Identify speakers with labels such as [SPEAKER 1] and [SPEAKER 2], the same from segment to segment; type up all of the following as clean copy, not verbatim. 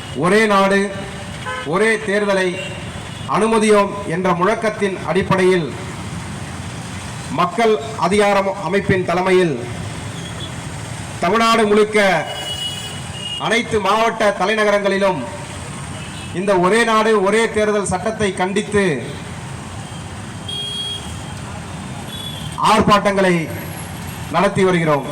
[SPEAKER 1] ஒரே நாடு ஒரே தேர்தலை அனுமதியோம் என்ற முழக்கத்தின் அடிப்படையில் மக்கள் அதிகாரம் அமைப்பின் தலைமையில் தமிழ்நாடு முழுக்க அனைத்து மாவட்ட தலைநகரங்களிலும் இந்த ஒரே நாடு ஒரே தேர்தல் சட்டத்தை கண்டித்து ஆர்ப்பாட்டங்களை நடத்தி வருகிறோம்.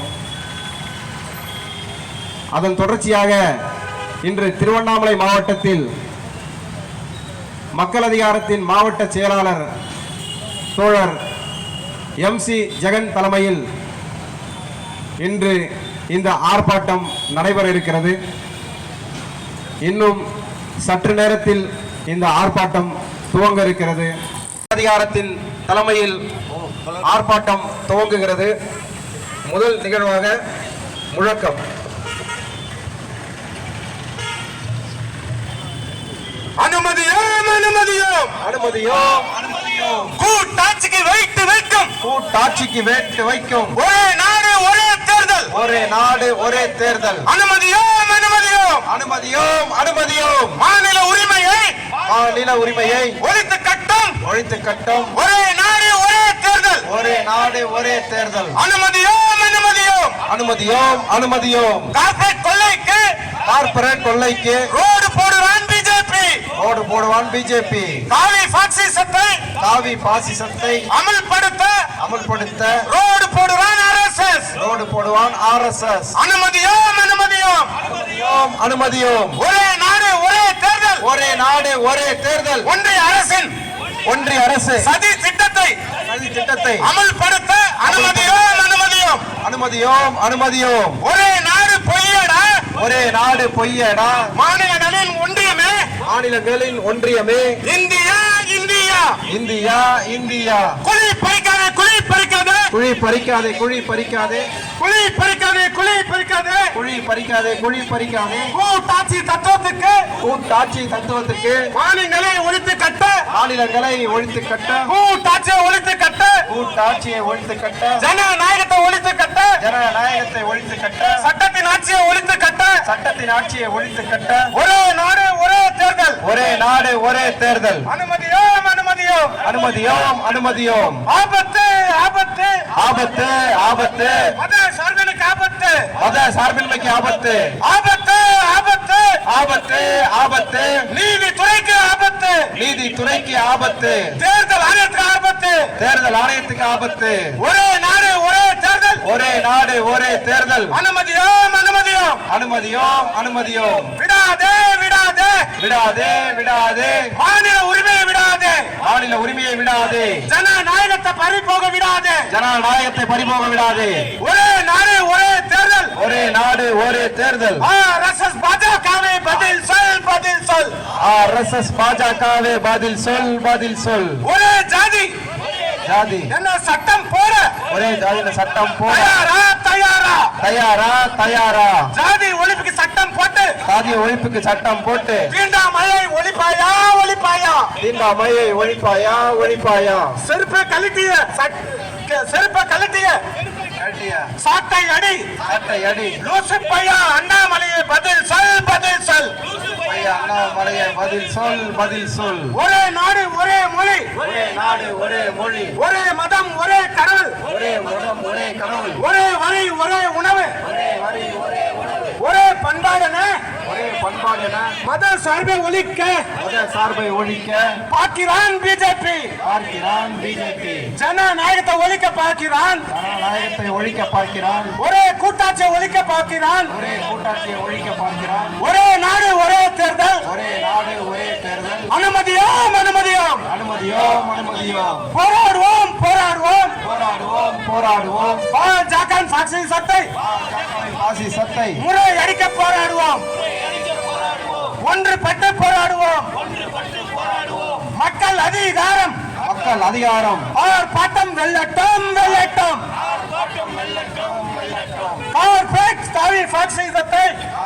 [SPEAKER 1] அதன் தொடர்ச்சியாக இன்று திருவண்ணாமலை மாவட்டத்தில் மக்கள் அதிகாரத்தின் மாவட்ட செயலாளர் தோழர் MC ஜெகன் தலைமையில் இன்று இந்த ஆர்ப்பாட்டம் நடைபெற இருக்கிறது. இன்னும் சற்று நேரத்தில் இந்த ஆர்ப்பாட்டம் துவங்க இருக்கிறது. அதிகாரத்தின் தலைமையில் ஆர்ப்பாட்டம் துவங்குகிறது. முதல் நிகழ்வாக முழக்கம்.
[SPEAKER 2] அனுமதியோம் அனுமதியோம்
[SPEAKER 1] அனுமதியோம் அனுமதியோம்.
[SPEAKER 2] கூட்டாட்சிக்கு வைத்து வைக்கும்
[SPEAKER 1] கூட்டாட்சிக்கு வேட்டு வைக்கும்
[SPEAKER 2] ஒரே நாடு ஒரே தேர்தல்
[SPEAKER 1] ஒரே நாடு ஒரே தேர்தல்.
[SPEAKER 2] அனுமதியோம் அனுமதியோம்
[SPEAKER 1] அனுமதியோம் அனுமதியோம்.
[SPEAKER 2] மாநில உரிமையை
[SPEAKER 1] மாநில உரிமையை
[SPEAKER 2] ஒழித்து கட்டும்
[SPEAKER 1] ஒழித்து கட்டும்
[SPEAKER 2] ஒரே நாடு ஒரே தேர்தல்
[SPEAKER 1] ஒரே நாடு ஒரே தேர்தல்.
[SPEAKER 2] அனுமதியோம் அனுமதியோம்.
[SPEAKER 1] அனுமதியோம் அனுமதியோம்.
[SPEAKER 2] கார்ப்பரேட் கொள்ளைக்கு
[SPEAKER 1] கார்ப்பரேட் கொள்ளைக்கு
[SPEAKER 2] ரோடு போடுவான் பிஜேபி
[SPEAKER 1] ரோடு போடுவான் பிஜேபி.
[SPEAKER 2] காவி பாசிசத்தை
[SPEAKER 1] காவி பாசிசத்தை அமல்படுத்த
[SPEAKER 2] ரோடு போடுவான் RSS
[SPEAKER 1] ரோடு போடுவான் RSS.
[SPEAKER 2] அனுமதியோம் அனுமதியோம்.
[SPEAKER 1] அனுமதியோம் அனுமதியோம்.
[SPEAKER 2] ஒரே நாடு ஒரே தேர்தல்
[SPEAKER 1] ஒரே நாடு ஒரே தேர்தல்.
[SPEAKER 2] ஒன்றிய அரசின்
[SPEAKER 1] ஒன்றிய அரசு
[SPEAKER 2] சதி திட்டத்தை அமல்படுத்த அனுமதியோம் அனுமதியோம்.
[SPEAKER 1] அனுமதியோம் அனுமதியோம்.
[SPEAKER 2] ஒரே நாடு பொய்யடா
[SPEAKER 1] ஒரே நாடு பொய்யடா.
[SPEAKER 2] மாநிலங்களின் ஒன்றியமே
[SPEAKER 1] மாநிலங்களின் ஒன்றியமே
[SPEAKER 2] இந்தியா இந்தியா
[SPEAKER 1] இந்தியா இந்தியா.
[SPEAKER 2] குழி பறிக்காதே குழி பறிக்காதே
[SPEAKER 1] குழி பறிக்காதே குழி பறிக்காதே
[SPEAKER 2] குழி பறிக்காதே குழி பறிக்காதே
[SPEAKER 1] குழி பறிக்காதே குழி பறிக்காதே.
[SPEAKER 2] கூட்டாட்சி தத்துவத்துக்கு
[SPEAKER 1] கூட்டாட்சி தத்துவத்துக்கு
[SPEAKER 2] மாநிலங்களை ஒழித்து கட்ட
[SPEAKER 1] மாநிலங்களை ஒழித்து கட்ட
[SPEAKER 2] கூட்டாட்சியை ஒழித்து கட்ட
[SPEAKER 1] கூட்டாட்சியை ஒழித்து கட்ட
[SPEAKER 2] ஜனநாயகத்தை ஒழித்து கட்ட
[SPEAKER 1] ஜனநாயகத்தை ஒழித்து கட்ட
[SPEAKER 2] சட்டத்தின் ஆட்சியை ஒழித்து கட்ட
[SPEAKER 1] சட்டத்தின் ஆட்சியை ஒழித்து கட்ட
[SPEAKER 2] ஒரே நாடு ஒரே தேர்தல்
[SPEAKER 1] ஒரே நாடு ஒரே தேர்தல்.
[SPEAKER 2] அனுமதியோம் அனுமதியோம்.
[SPEAKER 1] அனுமதியோம் அனுமதியோம்.
[SPEAKER 2] ஆபத்து ஆபத்து
[SPEAKER 1] ஆபத்து ஆபத்து.
[SPEAKER 2] மத சார்பின்மைக்கு ஆபத்து
[SPEAKER 1] மத சார்பின்மைக்கு ஆபத்து
[SPEAKER 2] ஆபத்து ஆபத்து
[SPEAKER 1] ஆபத்து ஆபத்து.
[SPEAKER 2] நீதித்துறைக்கு ஆபத்து
[SPEAKER 1] நீதித்துறைக்கு ஆபத்து.
[SPEAKER 2] தேர்தல் ஆணையத்துக்கு ஆபத்து
[SPEAKER 1] தேர்தல் ஆணையத்துக்கு ஆபத்து.
[SPEAKER 2] ஒரே நாடு ஒரே தேர்தல்
[SPEAKER 1] ஒரே நாடு ஒரே தேர்தல்.
[SPEAKER 2] அனுமதியோம் அனுமதியோம்.
[SPEAKER 1] அனுமதியோம் அனுமதியோம்.
[SPEAKER 2] விடாதே விடாதே
[SPEAKER 1] விடாதே விடாதே.
[SPEAKER 2] மாநில உரிமையை விடாதே
[SPEAKER 1] மாநில உரிமையை விடாதே.
[SPEAKER 2] ஜனநாயகத்தை பறிபோக விடாதே
[SPEAKER 1] ஜனநாயகத்தை பறிபோக விடாதே.
[SPEAKER 2] ஒரே நாடு ஒரே தேர்தல்
[SPEAKER 1] ஒரே நாடு ஒரே தேர்தல்.
[SPEAKER 2] RSS பாஜகவே பதில் சொல் பதில் சொல்.
[SPEAKER 1] RSS பாஜகவே பதில் சொல் பதில் சொல்.
[SPEAKER 2] ஒரே ஜாதி
[SPEAKER 1] ஜாதி
[SPEAKER 2] என்ன சட்டம் போட
[SPEAKER 1] ஒரே ஜாதியில சட்டம் போட
[SPEAKER 2] தயாரா தயாரா
[SPEAKER 1] தயாரா தயாரா.
[SPEAKER 2] ஜாதி ஒழிப்புக்கு சட்டம் போட்டு
[SPEAKER 1] சாதி ஒழிப்புக்கு சட்டம் போட்டு
[SPEAKER 2] தீண்டாமையை ஒழிப்பாயா ஒழிப்பாயா.
[SPEAKER 1] தீண்டாமையை ஒழிப்பாயா ஒழிப்பாயா.
[SPEAKER 2] செருப்பை கழட்டிய செருப்பை கழட்டிய சாட்டை அடி
[SPEAKER 1] சாட்டை அடி.
[SPEAKER 2] லூசு பையா அண்ணாமலையை பதில் சொல் பதில் சொல்.
[SPEAKER 1] அண்ணாமலையை பதில் சொல் பதில் சொல்.
[SPEAKER 2] ஒரே நாடு ஒரே மொழி
[SPEAKER 1] ஒரே நாடு ஒரே மொழி
[SPEAKER 2] ஒரே மதம் ஒரே கடவுள்
[SPEAKER 1] ஒரே மதம் ஒரே கடவுள்
[SPEAKER 2] ஒரே வரி ஒரே உணவு
[SPEAKER 1] ஒரே வரி ஒரே உணவு
[SPEAKER 2] ஒரே பண்பாடென
[SPEAKER 1] ஒரே பண்பாடென
[SPEAKER 2] மத சார்பை ஒழிக்க
[SPEAKER 1] மத சார்பை ஒழிக்க
[SPEAKER 2] பார்க்கிறான் பிஜேபி
[SPEAKER 1] பார்க்கிறான் பிஜேபி.
[SPEAKER 2] ஜனநாயகத்தை ஒழிக்க பார்க்கிறான்
[SPEAKER 1] ஜனநாயகத்தை ஒழிக்க பார்க்கிறான்.
[SPEAKER 2] ஒரே கூட்டாட்சியை ஒழிக்க பார்க்கிறான்
[SPEAKER 1] ஒரே கூட்டாட்சியை ஒழிக்க பார்க்கிறான்.
[SPEAKER 2] ஒரே நாடு ஒரே தேர்தல்
[SPEAKER 1] ஒரே நாடு ஒரே தேர்தல்.
[SPEAKER 2] அனுமதியோம் அனுமதியோம்.
[SPEAKER 1] அனுமதியோம் அனுமதியோம்.
[SPEAKER 2] போராடுவோம் போராடுவோம்
[SPEAKER 1] போராடுவோம் போராடுவோம்.
[SPEAKER 2] பாஜக பாசிசத்தை
[SPEAKER 1] பாசிசத்தை
[SPEAKER 2] முறை அடிக்க போராடுவோம். ஒன்றுபட்டு போராடுவோம். மக்கள் அதிகாரம்
[SPEAKER 1] மக்கள் அதிகாரம்.
[SPEAKER 2] ஆர்ப்பாட்டம் வெல்லட்டும் வெல்லட்டும். கார்ப்பரேட் காவி பாசிசத்தை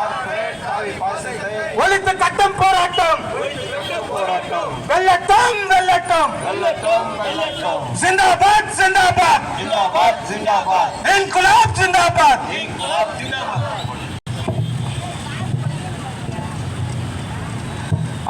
[SPEAKER 2] ஒழித்து கட்டும் போராட்டம் வெல்லட்டும் வெல்லட்டும். जिंदाबाद जिंदाबाद
[SPEAKER 1] जिंदाबाद जिंदाबाद.
[SPEAKER 2] इनकलाब जिंदाबाद.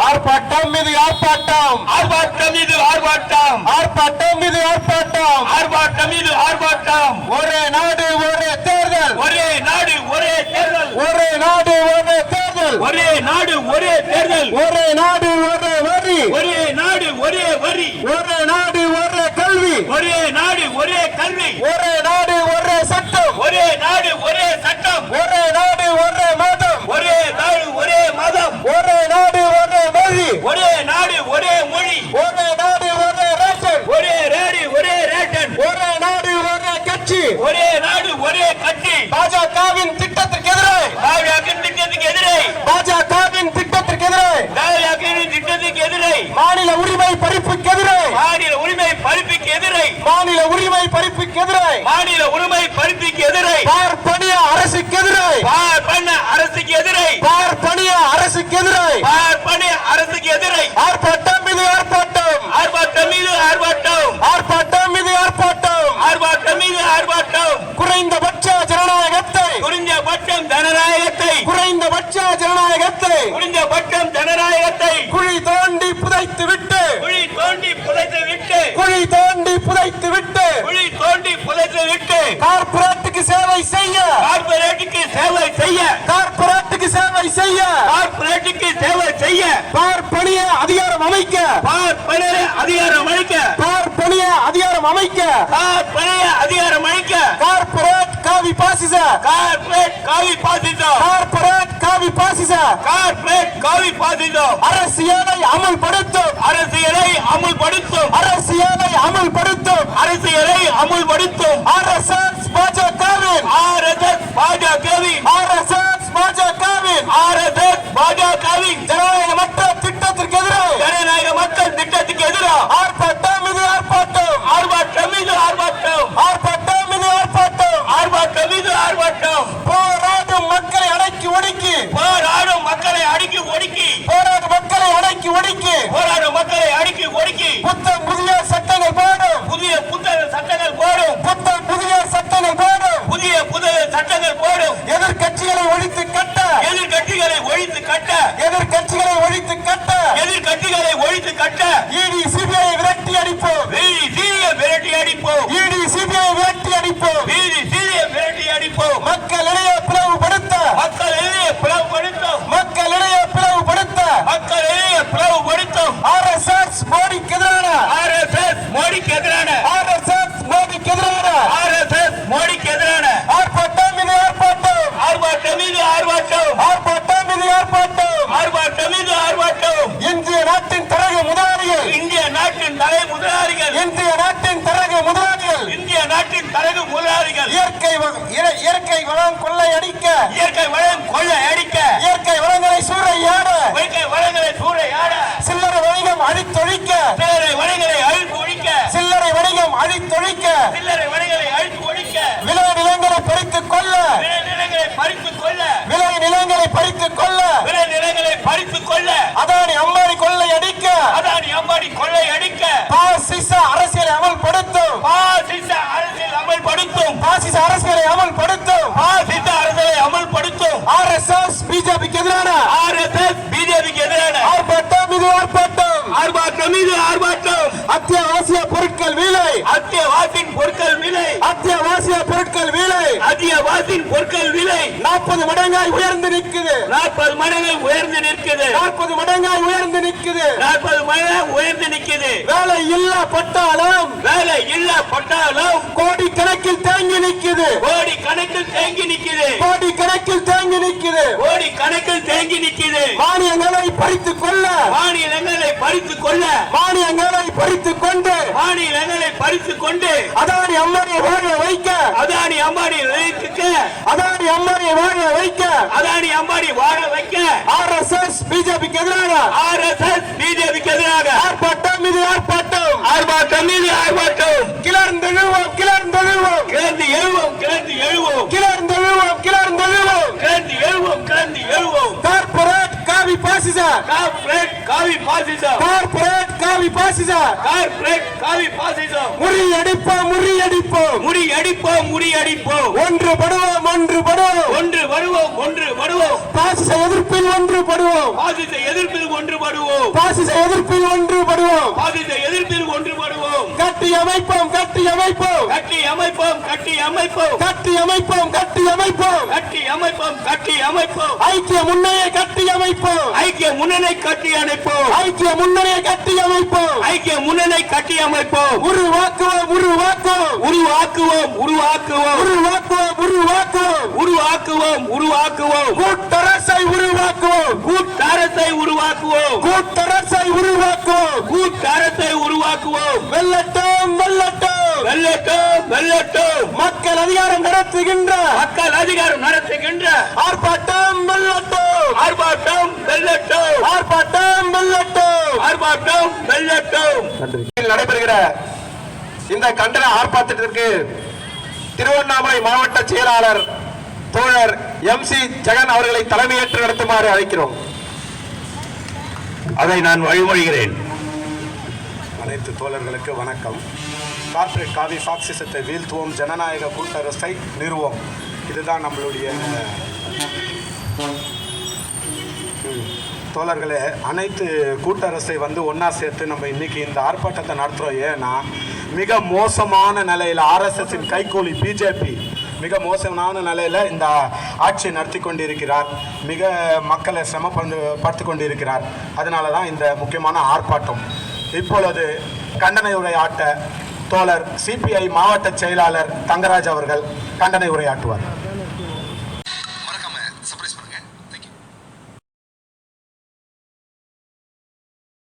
[SPEAKER 1] ஆர்ப்பாட்டம் இது ஆர்ப்பாட்டம்,
[SPEAKER 2] ஆர்ப்பாட்டம் இது ஆர்ப்பாட்டம்,
[SPEAKER 1] ஆர்ப்பாட்டம் இது ஆர்ப்பாட்டம்.
[SPEAKER 2] ஆர்ப்பாட்டம் இது ஆர்ப்பாட்டம்.
[SPEAKER 1] ஒரே நாடு ஒரே தேர்தல்,
[SPEAKER 2] ஒரே நாடு ஒரே தேர்தல்,
[SPEAKER 1] ஒரே நாடு ஒரே தேர்தல்,
[SPEAKER 2] ஒரே நாடு ஒரே தேர்தல்,
[SPEAKER 1] ஒரே நாடு ஒரே வரி,
[SPEAKER 2] ஒரே நாடு ஒரே வரி,
[SPEAKER 1] ஒரே நாடு ஒரே கல்வி,
[SPEAKER 2] ஒரே நாடு ஒரே கல்வி,
[SPEAKER 1] ஒரே நாடு ஒரே சட்டம்,
[SPEAKER 2] ஒரே நாடு ஒரே சட்டம்,
[SPEAKER 1] ஒரே நாடு ஒரே மதம்,
[SPEAKER 2] ஒரே நாடு ஒரே மதம்,
[SPEAKER 1] ஒரே நாடு ஒரே மொழி,
[SPEAKER 2] ஒரே நாடு ஒரே மொழி,
[SPEAKER 1] ஒரே நாடு ஒரே ரேஷன்,
[SPEAKER 2] ஒரே ரேடி ஒரே ரேட்டன்,
[SPEAKER 1] ஒரே நாடு ஒரே கட்சி.
[SPEAKER 2] ஒரே நாடு ஒரே கட்சி.
[SPEAKER 1] பாஜகவின் திட்டத்திற்கு எதிராக,
[SPEAKER 2] தாவியாக்கின் திட்டத்துக்கு எதிரே,
[SPEAKER 1] பாஜகவின் திட்டத்திற்கு எதிராக,
[SPEAKER 2] தாவியாக்கின் திட்டத்துக்கு எதிரே,
[SPEAKER 1] மாநில உரிமை பறிப்புக்கு எதிராக,
[SPEAKER 2] மாநில உரிமை பறிப்புக்கு எதிரே,
[SPEAKER 1] மாநில உரிமை பறிப்புக்கு எதிராக,
[SPEAKER 2] மாநில உரிமை பறிப்புக்கு எதிரே,
[SPEAKER 1] பார்ப்பனிய அரசுக்கு எதிராக,
[SPEAKER 2] பண்ண அரசுக்கு எதிரே,
[SPEAKER 1] பார்ப்பனிய அரசுக்கு எதிராக
[SPEAKER 2] பண்ண அரசுக்கு எதிரே,
[SPEAKER 1] ஆர்ப்பாட்டம் இது ஆர்ப்பாட்டம்,
[SPEAKER 2] ஆர்ப்பாட்டம் மீது ஆர்ப்பாட்டம்,
[SPEAKER 1] ஆர்ப்பாட்டம் இது ஆர்ப்பாட்டம்.
[SPEAKER 2] ஆர்ப்பாட்டம் மீது ஆர்ப்பாட்டம்.
[SPEAKER 1] குறைந்தபட்ச ஜனநாயகத்தை,
[SPEAKER 2] குறைந்தபட்சம் ஜனநாயகத்தை,
[SPEAKER 1] குறைந்தபட்ச ஜனநாயகத்தை
[SPEAKER 2] குறைந்தபட்சம் ஜனநாயகத்தை
[SPEAKER 1] குழி தோண்டி புதைத்து விட்டு,
[SPEAKER 2] குழி தோண்டி புதைத்து விட்டு,
[SPEAKER 1] குழி தோண்டி புதைத்து விட்டு,
[SPEAKER 2] குழி தோண்டி புதைத்து விட்டு,
[SPEAKER 1] கார்ப்பரேட்டுக்கு சேவை செய்ய,
[SPEAKER 2] கார்ப்பரேட்டுக்கு சேவை செய்ய,
[SPEAKER 1] கார்ப்பரேட்டுக்கு சேவை செய்ய,
[SPEAKER 2] கார்ப்பரேட்டுக்கு சேவை செய்ய,
[SPEAKER 1] பார்ப்பனிய அதிகாரம் அமைக்க,
[SPEAKER 2] பார்ப்பன அதிகாரம் அளிக்க,
[SPEAKER 1] பார்ப்பனிய அதிகாரம் அமைக்க,
[SPEAKER 2] பார்ப்பன அதிகாரம் அளிக்க,
[SPEAKER 1] கார்ப்பரேட் காவி பாசிச,
[SPEAKER 2] கார்ப்பரேட் காவி பாசிசம்,
[SPEAKER 1] கார்ப்பரேட் காவி பாசிச
[SPEAKER 2] கார்ப்பரேட் காவி பாசிசம்
[SPEAKER 1] அரசியலை அமுல்படுத்தும்,
[SPEAKER 2] அரசியலை அமுல்படுத்தும்,
[SPEAKER 1] அரசியலை அமுல்படுத்தும்
[SPEAKER 2] அரசியலை அமுல்படுத்தும்
[SPEAKER 1] ஆர்எஸ்எஸ் பாஜகவின்,
[SPEAKER 2] ஆர்எஸ்எஸ் பாஜகவின்,
[SPEAKER 1] ஆர்எஸ்எஸ் பாஜகவின்
[SPEAKER 2] ஆர்எஸ்எஸ் பாஜகவின்
[SPEAKER 1] ஜனநாயகமற்ற திட்டத்திற்கு எதிராக,
[SPEAKER 2] ஜனநாயக மக்கள் திட்டத்துக்கு எதிராக
[SPEAKER 1] ஆர்ப்பாட்டம் இது ஆர்ப்பாட்டம்,
[SPEAKER 2] ஆர்ப்பாட்டம் மீது ஆர்ப்பாட்டம்,
[SPEAKER 1] ஆர்ப்பாட்டம் இது ஆர்ப்பாட்டம்.
[SPEAKER 2] ஆர்ப்பாட்டம் மீது ஆர்ப்பாட்டம்.
[SPEAKER 1] போராடும் மக்களை அடக்கி ஒடுக்கி,
[SPEAKER 2] போராடும் மக்களை அடுக்கி ஒடுக்கி,
[SPEAKER 1] போராடும் மக்களை அடக்கி ஒடுக்கி,
[SPEAKER 2] போராடும் மக்களை அடுக்கி ஒடுக்கி,
[SPEAKER 1] புத்தம் புதிய சட்டங்கள் போடும்,
[SPEAKER 2] புதிய புத்தக சட்டங்கள் போடும்,
[SPEAKER 1] புத்தம் புதிய சட்டங்கள் போடும்,
[SPEAKER 2] புதிய புதிய சட்டங்கள் போடும்,
[SPEAKER 1] எதிர்கட்சிகளை ஒழித்து கட்ட,
[SPEAKER 2] எதிர்கட்சிகளை ஒழித்து கட்ட,
[SPEAKER 1] எதிர்கட்சிகளை ஒழித்து கட்ட,
[SPEAKER 2] எதிர்கட்சிகளை ஒழித்து கட்ட,
[SPEAKER 1] இடி சிபிஐ விரட்டி அடிப்போம்,
[SPEAKER 2] வீதி சீரிய விரட்டி அடிப்போம்,
[SPEAKER 1] இடி சிபிஐ விரட்டி அடிப்போம்,
[SPEAKER 2] வீதி சீரிய விரட்டி அடிப்போம்,
[SPEAKER 1] மக்களிடையே பிளவுபடுத்த,
[SPEAKER 2] மக்களிடையே பிளவுபடுத்தும்,
[SPEAKER 1] மக்களிடையே பிளவுபடுத்த
[SPEAKER 2] மக்களிடையே பிளவுபடுத்தும்
[SPEAKER 1] ஆர்எஸ்எஸ் மோடிக்கு எதிரான,
[SPEAKER 2] ஆர்எஸ்எஸ் மோடிக்கு எதிரான,
[SPEAKER 1] ஆர்எஸ்எஸ் மோடிக்கு எதிரான
[SPEAKER 2] ஆர்எஸ்எஸ் மோடிக்கு எதிரான
[SPEAKER 1] ஆர்ப்பாட்டம் இது ஆர்ப்பாட்டம்,
[SPEAKER 2] ஆர்ப்பாட்டம் மீது ஆர்ப்பாட்டம்,
[SPEAKER 1] ஆர்ப்பாட்டம் இது ஆர்ப்பாட்டம்.
[SPEAKER 2] ஆர்ப்பாட்டம் மீது ஆர்ப்பாட்டம்.
[SPEAKER 1] இந்திய நாட்டின் தரகு முதலாளிகள்,
[SPEAKER 2] இந்திய நாட்டின் தலை முதலாளிகள்,
[SPEAKER 1] இந்திய நாட்டின் தரகு முதலாளிகள்
[SPEAKER 2] இந்திய நாட்டின் தரகு முதலாளிகள்
[SPEAKER 1] இயற்கை வளம் கொள்ளை அடிக்க,
[SPEAKER 2] இயற்கை வளம் கொள்ளை அடிக்க,
[SPEAKER 1] இயற்கை வளங்களை சூறையாட,
[SPEAKER 2] இயற்கை வளங்களை சூறையாட,
[SPEAKER 1] சில்லறை வணிகம் அழித்தொழிக்க,
[SPEAKER 2] சில்லறை வணிகளை அழித்து ஒழிக்க,
[SPEAKER 1] சில்லறை வணிகம் அழித்தொழிக்க,
[SPEAKER 2] சில்லறை வணிகளை அழித்து ஒழிக்க,
[SPEAKER 1] விளை நிலங்களை பறித்துக் கொள்ள,
[SPEAKER 2] விளை நிலங்களை பறித்துக் கொள்ள,
[SPEAKER 1] விளை நிலங்களை பறித்துக் கொள்ள,
[SPEAKER 2] விளை நிலங்களை பறித்துக் கொள்ள,
[SPEAKER 1] அதானி அம்பானி கொள்ளை அடிக்க,
[SPEAKER 2] அதானி அம்பானி கொள்ளை அடிக்க,
[SPEAKER 1] பாசிச அரசியலை அமல்படுத்தும்,
[SPEAKER 2] பாசிச அரசியல் அமல்படுத்தும்,
[SPEAKER 1] பாசிச அரசியலை அமல்படுத்தும்
[SPEAKER 2] பாசிச அரசியலை அமல்படுத்தும்
[SPEAKER 1] ஆர்எஸ்எஸ் பிஜேபிக்கு எதிரான,
[SPEAKER 2] ஆர்எஸ்எஸ் பிஜேபிக்கு எதிரான
[SPEAKER 1] ஆர்ப்பாட்டம் இது ஆர்ப்பாட்டம்,
[SPEAKER 2] ஆர்ப்பாட்டம் மீது ஆர்ப்பாட்டம்.
[SPEAKER 1] அத்தியாவசிய பொருட்கள் விலை,
[SPEAKER 2] அத்தியாவசிய பொருட்கள் விலை,
[SPEAKER 1] அத்தியாவசிய பொருட்கள் விலை
[SPEAKER 2] அத்தியாவசிய பொருட்கள் விலை
[SPEAKER 1] 40 மடங்காய் உயர்ந்து நிற்குது,
[SPEAKER 2] 40 மடங்கு உயர்ந்து நிற்குது,
[SPEAKER 1] 40 மடங்காய் உயர்ந்து நிற்குது.
[SPEAKER 2] 40 மடங்கு உயர்ந்து நிற்குது.
[SPEAKER 1] வேலை இல்லா பட்டாளம்,
[SPEAKER 2] வேலை இல்ல பட்டாலும்
[SPEAKER 1] கோடி கணக்கில் தேங்கி நிற்குது,
[SPEAKER 2] கோடி கணக்கில் தேங்கி நிற்குது,
[SPEAKER 1] கோடி கணக்கில் தேங்கி நிற்குது.
[SPEAKER 2] கோடி கணக்கில் தேங்கி நிற்குது.
[SPEAKER 1] மானியங்களை பறித்துக் கொள்ள,
[SPEAKER 2] மாநிலங்களை பறித்துக் கொள்ள,
[SPEAKER 1] மானியங்களை பறித்துக் கொண்டு,
[SPEAKER 2] மாநிலங்களை பறித்துக் கொண்டு,
[SPEAKER 1] அதானி அம்பானியை வாழ வைக்க,
[SPEAKER 2] அதானி அம்பானி வைக்க,
[SPEAKER 1] அதானி அம்பானியை வாழ வைக்க,
[SPEAKER 2] அதானி அம்பானி வாழ வைக்க,
[SPEAKER 1] ஆர்எஸ்எஸ் பிஜேபிக்கு எதிராக,
[SPEAKER 2] ஆர்எஸ்எஸ் பிஜேபிக்கு எதிராக
[SPEAKER 1] ஆர்ப்பாட்டம் இது ஆர்ப்பாட்டம்,
[SPEAKER 2] ஆர்ப்பாட்டம் மீது ஆர்ப்பாட்டம்.
[SPEAKER 1] கிளர்ந்தெழுவோம், கிளர்ந்தெழுவோம்,
[SPEAKER 2] கிளர்ந்து எழுவோம், கிளர்ந்து எழுவோம்,
[SPEAKER 1] கிளர்ந்தெழுவோம், கிளர்ந்தெழுவோம்.
[SPEAKER 2] கிளர்ந்து எழுவோம், கிளர்ந்து எழுவோம்.
[SPEAKER 1] கார்ப்பரேட் காவி பாசிச,
[SPEAKER 2] கார்ப்பரேட் காவி பாசிசம்
[SPEAKER 1] கார்ப்பரேட் காவி பாசிசம்
[SPEAKER 2] கார்ப்பரேட் காவி பாசிசம்
[SPEAKER 1] முறியடிப்போம் முறியடிப்போம்
[SPEAKER 2] முறியடிப்போம் முறியடிப்போம்
[SPEAKER 1] ஒன்றுபடுவோம் ஒன்றுபடுவோம்
[SPEAKER 2] ஒன்று வருவோம் ஒன்று வருவோம்
[SPEAKER 1] பாசிச எதிர்ப்பில் ஒன்றுபடுவோம்
[SPEAKER 2] பாசிச எதிர்ப்பில் ஒன்றுபடுவோம்
[SPEAKER 1] பாசிச எதிர்ப்பில் ஒன்றுபடுவோம்
[SPEAKER 2] பாசிச எதிர்ப்பில் ஒன்றுபடுவோம்
[SPEAKER 1] கட்டி அமைப்போம் கட்டி அமைப்போம்
[SPEAKER 2] கட்டி அமைப்போம் கட்டி அமைப்போம்
[SPEAKER 1] கட்டி அமைப்போம் கட்டி அமைப்போம்
[SPEAKER 2] கட்டி அமைப்போம் கட்டி அமைப்போம்
[SPEAKER 1] ஐக்கிய முன்னணியை கட்டி அமைப்போம்
[SPEAKER 2] ஐக்கிய முன்னணி கட்டி அணைப்போம்
[SPEAKER 1] ஐக்கிய முன்னணியை கட்டி அமைப்போம்
[SPEAKER 2] ஐக்கிய முன்னணி கட்டி அமைப்போம்
[SPEAKER 1] உருவாக்குவோம் உருவாக்குவோம்
[SPEAKER 2] உருவாக்குவோம் உருவாக்குவோம்
[SPEAKER 1] உருவாக்குவோம் உருவாக்குவோம்
[SPEAKER 2] உருவாக்குவோம் உருவாக்குவோம்
[SPEAKER 1] கூட்டரசை உருவாக்குவோம்
[SPEAKER 2] கூட்டரசை உருவாக்குவோம்
[SPEAKER 1] கூட்டரசை உருவாக்குவோம்
[SPEAKER 2] கூட்டரசை உருவாக்குவோம்
[SPEAKER 1] வெல்லட்டும் வெல்லட்டும்
[SPEAKER 2] வெல்லட்டும் வெல்லட்டும்
[SPEAKER 1] மக்கள் அதிகாரம் நடத்துகின்ற
[SPEAKER 2] மக்கள் அதிகாரம் நடத்துகின்ற
[SPEAKER 1] ஆர்ப்பாட்டம் வெல்லட்டும்
[SPEAKER 2] ஆர்ப்பாட்டம் வெல்லட்டும்
[SPEAKER 1] ஆர்ப்பாட்டம் வெல்லட்டும்
[SPEAKER 2] ஆர்ப்பாட்டம் வெல்லட்டும்
[SPEAKER 1] நடைபெறுகிற இந்த கண்டன ஆர்ப்பாட்டத்திற்கு திருவண்ணாமலை மாவட்ட செயலாளர் தோழர் MC ஜெகன் அவர்களை தலைமையேற்று நடத்துமாறு அழைக்கிறோம்.
[SPEAKER 2] அதை நான் வழிமொழிகிறேன்.
[SPEAKER 3] அனைத்து தோழர்களுக்கு வணக்கம். கார்ப்பரேட் காவி பாசிசத்தை வீழ்த்துவோம், ஜனநாயக கூட்டரசை நிறுவோம். இதுதான் நம்மளுடைய தோழர்களே. அனைத்து கூட்டரசை ஒன்றா சேர்த்து நம்ம இன்னைக்கு இந்த ஆர்ப்பாட்டத்தை நடத்துகிறோம். ஏன்னா மிக மோசமான நிலையில் RSSின் கைகூலி பிஜேபி மிக மோசமான நிலையில் இந்த ஆட்சியை நடத்தி கொண்டிருக்கிறார். மிக மக்களை சிரமப்படுத்தி கொண்டிருக்கிறார். அதனால தான் இந்த முக்கியமான ஆர்ப்பாட்டம். இப்பொழுது கண்டன உரையாட்ட தோழர் CPI மாவட்ட செயலாளர் தங்கராஜ் அவர்கள் கண்டன உரையாற்றுவார்.